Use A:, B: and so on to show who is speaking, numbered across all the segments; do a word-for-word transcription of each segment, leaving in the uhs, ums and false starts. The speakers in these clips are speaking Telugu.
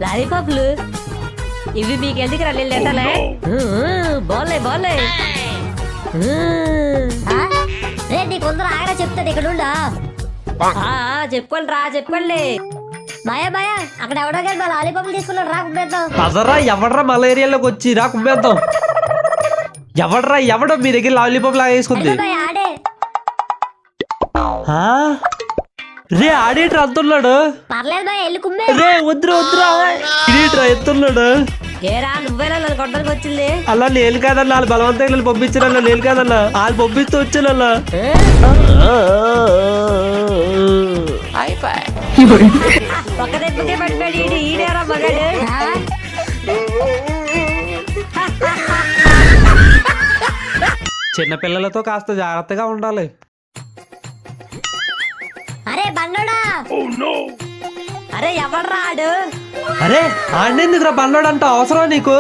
A: లాలీపాప్లు ఇవి మీకు ఎందుకు రండి లేటలే బాలే బాలే
B: రే నీకు కొందరు ఆగరా చెప్తాడు ఇక్కడ ఉండా
A: చెప్పుకోండి రా చెప్పుకోండి
B: భయ భయ అక్కడ ఎవడో కానీ మా లాలీపాపులు తీసుకున్నాడు రా కుమ్మేద్దాం.
C: పదరా ఎవడరా మలేరియాలోకి వచ్చి రా కుమ్మేద్దాం. ఎవడరా ఎవడో మీ దగ్గర లాలీపాప్ లాగా వేసుకుంది.
B: ఆడే
C: రే ఆడేట్రా అంతున్నాడు.
B: పర్లేదు భయ వెళ్ళి కుమ్మే.
C: రే వద్దురా వద్దురా ఇదేట్రా ఎత్తున్నాడు.
A: ఏరా నువ్వేనా నన్ను కొట్టడానికి వచ్చింది?
C: అలా నేను కాదన్నా వాళ్ళు బలవంతంగా పంపించారన్నా నేను కాదన్నా వాళ్ళు పంపిస్తూ వచ్చానన్నా.
A: ఒక్క దెబ్బకే పడిపోయాడు ఈడు ఈడేరా మగాడు.
C: చిన్నపిల్లలతో కాస్త జాగ్రత్తగా ఉండాలి.
B: అరే బండోడా
A: అరే ఎవడ్రా ఆడు?
C: అరే ఆడేందుకురా బండ్లోడు అంట అవసరం నీకు?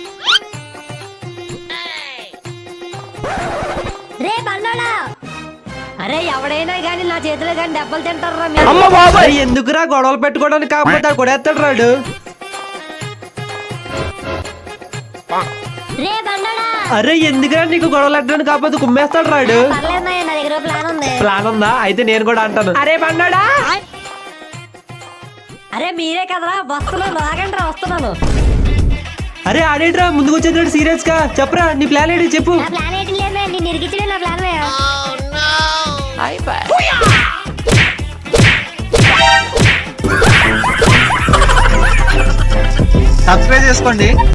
B: రే బండోడా
A: అరే ఎవడైనా గానీ నా చేతిలో గానీ దెబ్బలు తింటారా?
C: ఎందుకురా గొడవలు పెట్టుకోవడానికి కాకపోతే కొడేస్తాడు రాడు.
B: రే బండోడా
C: అరే ఎందుకురా నీకు గొడవలు పెట్టడానికి కాకపోతే కుమ్మేస్తాడు రాడు.
B: పర్లేదు భయ నా దగ్గర ప్లాన్ ఉంది.
C: ప్లాన్ ఉందా? అయితే నేను కూడా అంటాను. అరే బండోడా
A: అరే మీరే కదరా వస్తున్నాను ఆగండి రా వస్తున్నాను.
C: అరే ఆడేట్రా ముందుకు వచ్చేది సీరియస్ గా చెప్పరా నీ ప్లాన్ ఏంటి చెప్పు.
B: నా ప్లాన్ ఏంటి లేదు నేను ఇరిగించడే నా ప్లాన్ భయ.
D: సబ్స్క్రైబ్ చేసుకోండి.